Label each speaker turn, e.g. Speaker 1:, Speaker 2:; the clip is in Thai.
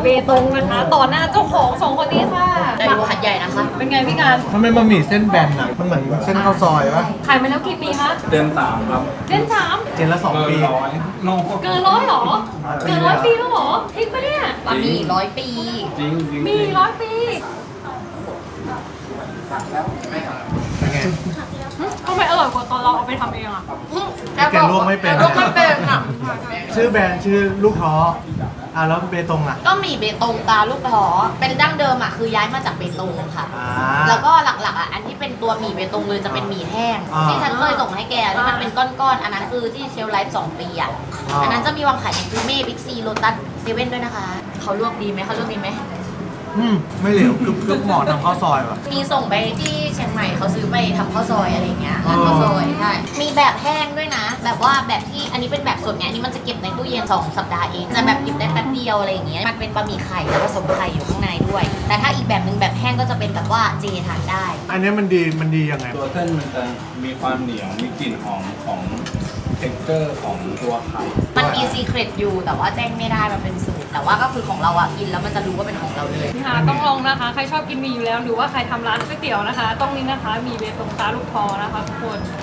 Speaker 1: เบตงนะคะต่อหน้าเจ้าของ2คนนี้ค่ะ
Speaker 2: แต่อยู่หัดใหญ่นะคะ
Speaker 1: เป็นไงพี่การ
Speaker 3: มันเป็นบะหมี่เส้นแบนอ่ะ มันเหมือนเส้นข้าวซอยปะ
Speaker 1: ขายมาแล้วกี่ปีคะ
Speaker 4: เต็มสามครับ
Speaker 1: เล่นสาม
Speaker 3: เจนละ2 ปี
Speaker 4: ร้อยโล
Speaker 1: เกิน100หรอเกิน100 ปีแล้วหรอจริงปะเนี่ย
Speaker 2: บะหมี่100 ปี
Speaker 4: จริงจริง
Speaker 1: มี100 ปี
Speaker 3: เป็นไง
Speaker 1: ทำไมอร่อยกว่าตอนเราเอาไปทำเองอ่ะ
Speaker 3: แกลวกไม่เป็น
Speaker 2: แกลวกไม่เป็นอ่ะ
Speaker 3: ชื่อแบรนด์ชื่อลูกท้อแล้วเบตงอ่ะ
Speaker 2: ก็หมี่เบตงตาลูกท้อเป็นดั้งเดิมอ่ะคือย้ายมาจากเบตงค่ะ
Speaker 3: อ่า
Speaker 2: แล้วก็หลักๆอ่ะอันที่เป็นตัวหมี่เบตงเลยจะเป็นหมี่แห้ง
Speaker 3: อ่า
Speaker 2: ที่ฉันเคยส่งให้แกที่มันเป็นก้อนๆอันนั้นคือที่เชลไลฟ์2 ปีอ่ะ
Speaker 3: อ่า
Speaker 2: อันนั้นจะมีวางขายในกรูเม่บิ๊กซีโลตัสเซเว่นด้วยนะคะเขาลวกดีไหมเขาลวกดีไหม
Speaker 3: ไม่เหลวคือหมอทำข้าวซอยว่ะ
Speaker 2: มีส่งไปที่เชียงใหม่เขาซื้อไปทำข้าวซอยอะไรเงี้ยร้านข้าวซอยใช่มีแบบแห้งด้วยนะ แบบว่าแบบที่อันนี้เป็นแบบสดไงอันนี้มันจะเก็บในตู้เย็น2 สัปดาห์เองจะแบบเก็บได้แป๊บเดียวอะไรอย่างเงี้ยมันเป็นบะหมี่ไข่แล้วผสมไข่อยู่ข้างในด้วย แต่ถ้าอีกแบบหนึ่งแบบแห้งก็จะเป็นแบบว่าเจทานได้
Speaker 3: อันนี้มันดียังไง
Speaker 4: ตัวเส้นมันจะมีความเหนียว มีกลิ่นหอมของเท็กเจอร์ของตัวไข่
Speaker 2: มันมีซีเครตอยู่แต่ว่าแจ้งไม่ได้มันเป็นสูตรแต่ว่าก็คือของเราอ่ะกินแล้วมันจะรู้ว่าเป็นของเราเลย
Speaker 1: ค่ะต้องลองนะคะ ใครชอบกินหมี่อยู่แล้ว หรือว่าใครทำร้านก๋วยเตี๋ยวนะคะ ต้องนี้นะคะหมีเบตงตาลูกคอนะคะทุกคน